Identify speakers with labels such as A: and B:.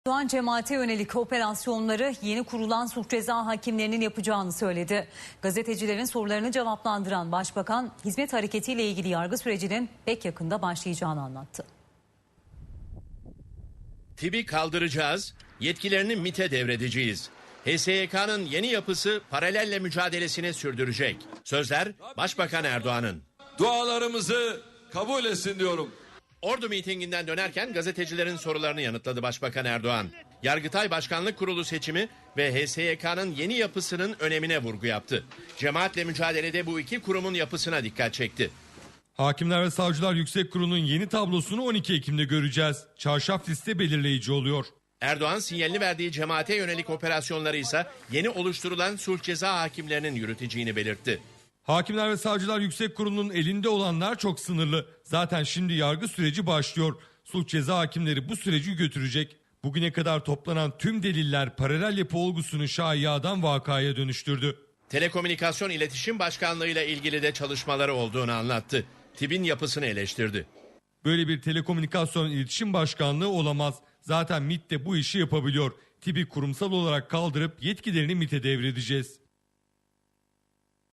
A: Erdoğan cemaate yönelik operasyonları yeni kurulan sulh ceza hakimlerinin yapacağını söyledi. Gazetecilerin sorularını cevaplandıran Başbakan, hizmet hareketiyle ilgili yargı sürecinin pek yakında başlayacağını anlattı.
B: TİB'i kaldıracağız, yetkilerini MİT'e devredeceğiz. HSYK'nın yeni yapısı paralelle mücadelesini sürdürecek. Sözler Başbakan Erdoğan'ın.
C: Dualarımızı kabul etsin diyorum.
B: Ordu mitinginden dönerken gazetecilerin sorularını yanıtladı Başbakan Erdoğan. Yargıtay Başkanlık Kurulu seçimi ve HSYK'nın yeni yapısının önemine vurgu yaptı. Cemaatle mücadelede bu iki kurumun yapısına dikkat çekti.
D: Hakimler ve Savcılar Yüksek Kurulu'nun yeni tablosunu 12 Ekim'de göreceğiz. Çarşaf liste belirleyici oluyor.
B: Erdoğan sinyalini verdiği cemaate yönelik operasyonları ise yeni oluşturulan sulh ceza hakimlerinin yürüteceğini belirtti.
D: Hakimler ve Savcılar Yüksek Kurulu'nun elinde olanlar çok sınırlı. Zaten şimdi yargı süreci başlıyor. Sulh ceza hakimleri bu süreci götürecek. Bugüne kadar toplanan tüm deliller paralel yapı olgusunu şaiyadan vakaya dönüştürdü.
B: Telekomünikasyon İletişim Başkanlığı ile ilgili de çalışmaları olduğunu anlattı. TİB'in yapısını eleştirdi.
D: Böyle bir telekomünikasyon iletişim başkanlığı olamaz. Zaten MİT de bu işi yapabiliyor. TİB'i kurumsal olarak kaldırıp yetkilerini MİT'e devredeceğiz.